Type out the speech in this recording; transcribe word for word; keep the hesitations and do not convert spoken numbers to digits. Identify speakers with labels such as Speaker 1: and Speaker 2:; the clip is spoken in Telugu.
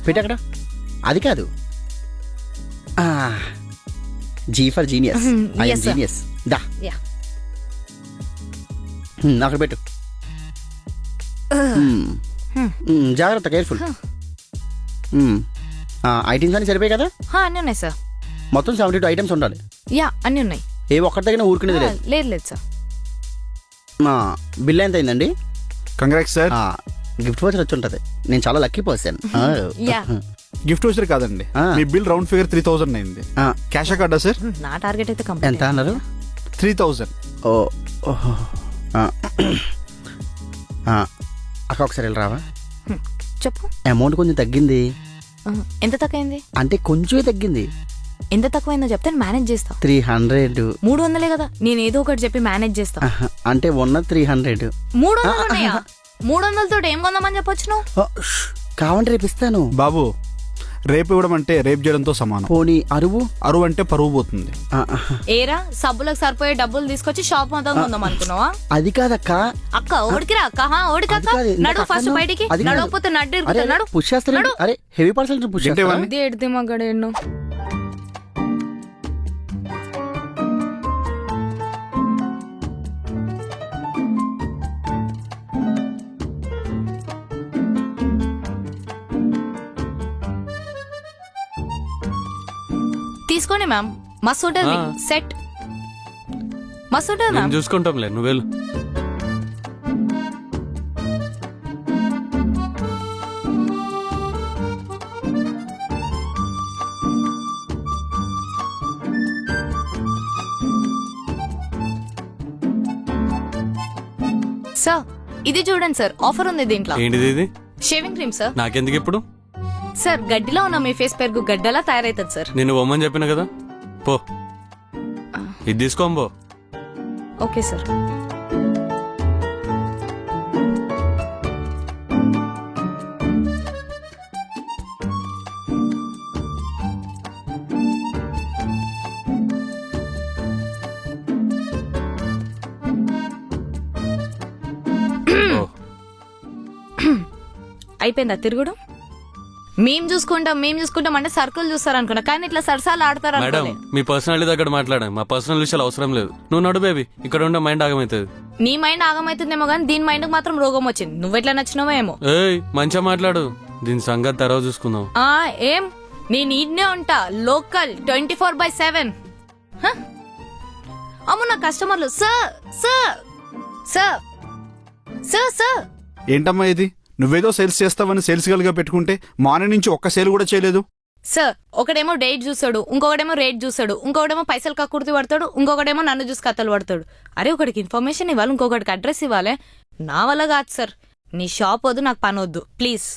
Speaker 1: పెట్టక్కడ అది కాదు, G for genius. I'm genius. దా అక్కడ పెట్టు. జాగ్రత్త, కేర్ఫుల్. ఐటమ్స్ అన్ని సరిపోయి కదా?
Speaker 2: అన్నీ ఉన్నాయి సార్.
Speaker 1: మొత్తం సెవెంటీ టూ ఐటమ్స్ ఉండాలి.
Speaker 2: యా అన్నీ ఉన్నాయి.
Speaker 1: ఏ ఒక్కటి దగ్గర ఊరుకునేది లేదు.
Speaker 2: లేదు లేదు సార్.
Speaker 1: బిల్ ఎంత అయిందండి?
Speaker 3: Congrats sir.
Speaker 1: గిఫ్ట్ వోచర్ వచ్చి ఉంటుంది. నేను చాలా లక్కీ పర్సన్.
Speaker 3: గిఫ్ట్ వోచర్ కాదండి, మీ bill round figure three thousand అయింది. క్యాష్ కార్డా సార్?
Speaker 2: నా టార్గెట్ అయితే
Speaker 1: ఎంత అన్నారు?
Speaker 3: Three thousand.
Speaker 1: ఓ అక్క ఒకసారి వెళ్ళి రావా?
Speaker 2: చెప్పు.
Speaker 1: అమౌంట్ కొంచెం తగ్గింది.
Speaker 2: ఎంత తక్కువైంది?
Speaker 1: అంటే కొంచెమే తగ్గింది.
Speaker 2: ఎంత తక్కువైందో చెప్తే మేనేజ్ చేస్తా.
Speaker 1: Three hundred.
Speaker 2: మూడు వందలే కదా, నేను ఏదో ఒకటి చెప్పి మేనేజ్ చేస్తా.
Speaker 1: అంటే ఉన్న త్రీ హండ్రెడ్.
Speaker 2: మూడు వందలు ఉన్నాయా? మూడు వందలతో ఏం కొందామని చెప్పొచ్చు నువ్వు?
Speaker 1: కావంటే రేపు ఇస్తాను
Speaker 3: బాబు. రేపు ఇవ్వడం అంటే రేపు చేయడంతో సమానం.
Speaker 1: పోనీ అరువు?
Speaker 3: అరువు అంటే పరువు పోతుంది.
Speaker 2: ఏరా సబ్బులకు సరిపోయే డబ్బులు తీసుకొచ్చి షాప్ మొత్తం కొందాం అనుకున్నావా?
Speaker 1: అది కాదక్క.
Speaker 2: అక్క ఓడికిరా అక్క, ఓడికక్క. నడు ఫస్ట్ బయటికి. నడవపోతే నడ్డు ఇరుకుతున్నాడు.
Speaker 1: పుష్ చేస్తాడు. అరే హెవీ పర్సన్ పుష్ చేస్తాడు.
Speaker 2: ఎడితే మగాడు ఎన్నో. తీసుకోండి మ్యామ్, మస్తు ఉంటుంది సెట్. మస్తు ఉంటుంది మ్యామ్.
Speaker 4: చూసుకుంటాంలే, నువ్వు వెళ్ళు.
Speaker 2: సార్ ఇది చూడండి సార్, ఆఫర్ ఉంది దీంట్లో.
Speaker 4: ఏంటిది ఇది?
Speaker 2: Shaving cream sir.
Speaker 4: నాకెందుకు ఇప్పుడు?
Speaker 2: సార్ గడ్డిలో ఉన్న మీ ఫేస్ పెరుగు గడ్డలా తయారైతుంది సార్.
Speaker 4: నేను బొమ్మని చెప్పిన కదా, పో ఇది తీసుకోంబో.
Speaker 2: Okay sir. అయిపోయిందా తిరుగుడు? మేం చూసుకుంటాం మేం చూసుకుంటాం అంటే సర్కిల్ చూస్తారు అనుకున్నా, కానీ ఇట్లా సరసాలు ఆడతారు.
Speaker 4: మేడం మీ పర్సనాలిటీ దగ్గర మాట్లాడాం, మా పర్సనల్ విషయాలు అవసరం లేదు. నువ్వు నడు బేబీ, ఇక్కడ ఉండే మైండ్ ఆగమవుతుంది.
Speaker 2: నీ మైండ్ ఆగమవుతుందేమో కానీ దీని మైండ్ మాత్రం రోగం వచ్చింది. నువ్వెట్లా నచ్చినావో ఏమో.
Speaker 4: ఏయ్ మంచిగా మాట్లాడు, దీని సంగతి తర్వాత చూసుకుందాం.
Speaker 2: ఆ ఏం నేను ఈడ్నే ఉంటా, local twenty four by seven. అమ్ము నా కస్టమర్లు sir sir sir sir sir.
Speaker 3: ఏంటమ్మా ఇది? నువ్వేదో సేల్స్ చేస్తావని సేల్స్ గల్గా పెట్టుకుంటే మార్నింగ్ నుంచి ఒక్క సేల్ కూడా చేయలేదు.
Speaker 2: సార్ ఒకడేమో డేట్ చూస్తాడు, ఇంకొకడేమో రేట్ చూస్తాడు, ఇంకొకడేమో పైసలు కక్కుర్తి పడతాడు, ఇంకొకడేమో నన్ను చూసి కథలు పడతాడు. అరే ఒకడికి ఇన్ఫర్మేషన్ ఇవ్వాలి, ఇంకొకటికి అడ్రస్ ఇవ్వాలి. నా వల్ల కాదు సార్. నీ షాప్ వద్దు, నాకు పని వద్దు ప్లీజ్.